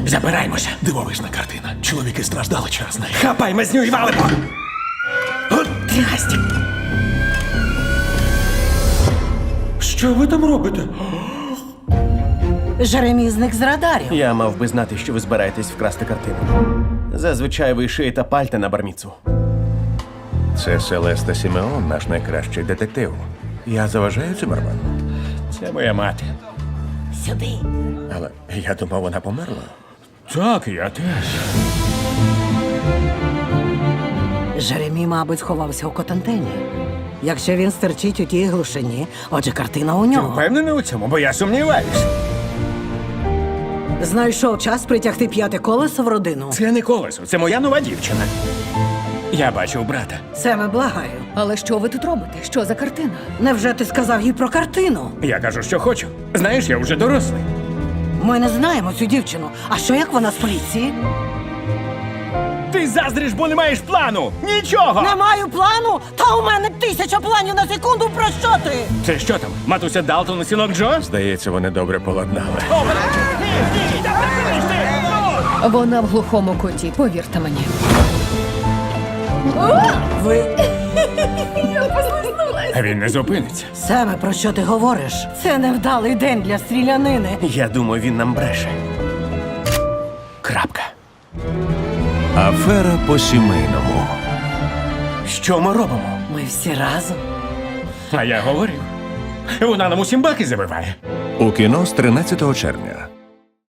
Забираємося. Дивовижна картина. Чоловіки страждали через неї. Хапай мазню і валимо! От трясть! Що ви там робите? Жеремі зник з радарів. Я мав би знати, що ви збираєтесь вкрасти картину. Зазвичай ви шиєте пальта на барміцу. Це Селеста Сімеон, наш найкращий детектив. Я заважаю Циммерману. Це моя мати. Сюди. Але я думав, вона померла. Так, я теж. Жеремі, мабуть, сховався у Котантені. Якщо він стерчить у тій глушині, отже, картина у нього. Впевнений у цьому, бо я сумніваюсь. Знайшов час притягти п'яте колесо в родину. Це не колесо, це моя нова дівчина. Я бачив брата. Семе, благаю. Але що ви тут робите? Що за картина? Невже ти сказав їй про картину? Я кажу, що хочу. Знаєш, я вже дорослий. Ми не знаємо цю дівчину. А що як вона з поліції? Ти заздриш, бо не маєш плану! Нічого! Не маю плану? Та у мене 1000 планів на секунду. Про що ти? Це що там? Матуся Далтон і синок Джо? Здається, вони добре поладнали. Вона в глухому куті, повірте мені. Ви... А він не зупиниться. Семе, про що ти говориш? Це невдалий день для стрілянини. Я думаю, він нам бреше. Крапка. Афера по-сімейному. Що ми робимо? Ми всі разом. А я говорив. Вона нам усім баки забиває. У кіно з 13 червня.